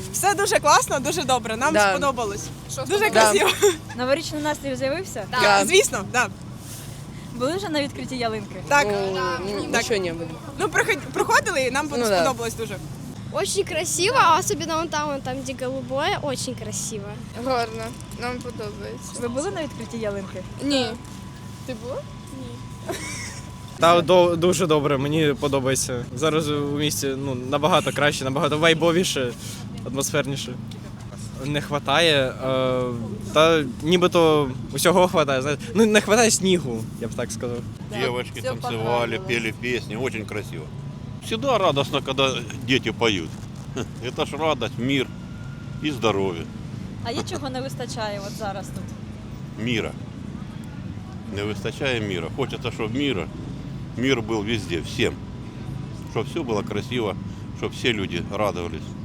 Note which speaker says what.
Speaker 1: Все дуже класно, дуже добре. Нам
Speaker 2: Да.
Speaker 1: сподобалось. Дуже красиво.
Speaker 3: Новорічний настрій з'явився?
Speaker 2: Да.
Speaker 1: Звісно, да.
Speaker 3: Були вже на відкритті ялинки?
Speaker 1: Так.
Speaker 2: Ничего не было.
Speaker 1: Ну, проходили, і нам
Speaker 2: Ну, да.
Speaker 1: сподобалось дуже.
Speaker 4: Очень красиво, особенно вон там, где голубое, очень красиво.
Speaker 5: Гарно, нам подобається.
Speaker 3: Ви були на відкритті ялинки?
Speaker 5: Ні. Ти була?
Speaker 6: Та дуже добре, мені подобається. Зараз у місті набагато краще, набагато вайбовіше, атмосферніше. Не вистачає, та нібито усього вистачає. Знаєте. Ну, не вистачає снігу, я б так сказав.
Speaker 7: Девочки танцевали, пели песни, очень красиво. Всегда радостно, когда дети поют. Это ж радость, мир и здоровье.
Speaker 3: А є чого не вистачає от зараз тут?
Speaker 7: Мира. Не выстачая мира. Хочется, чтобы мир был везде, всем. Чтобы все было красиво, чтобы все люди радовались.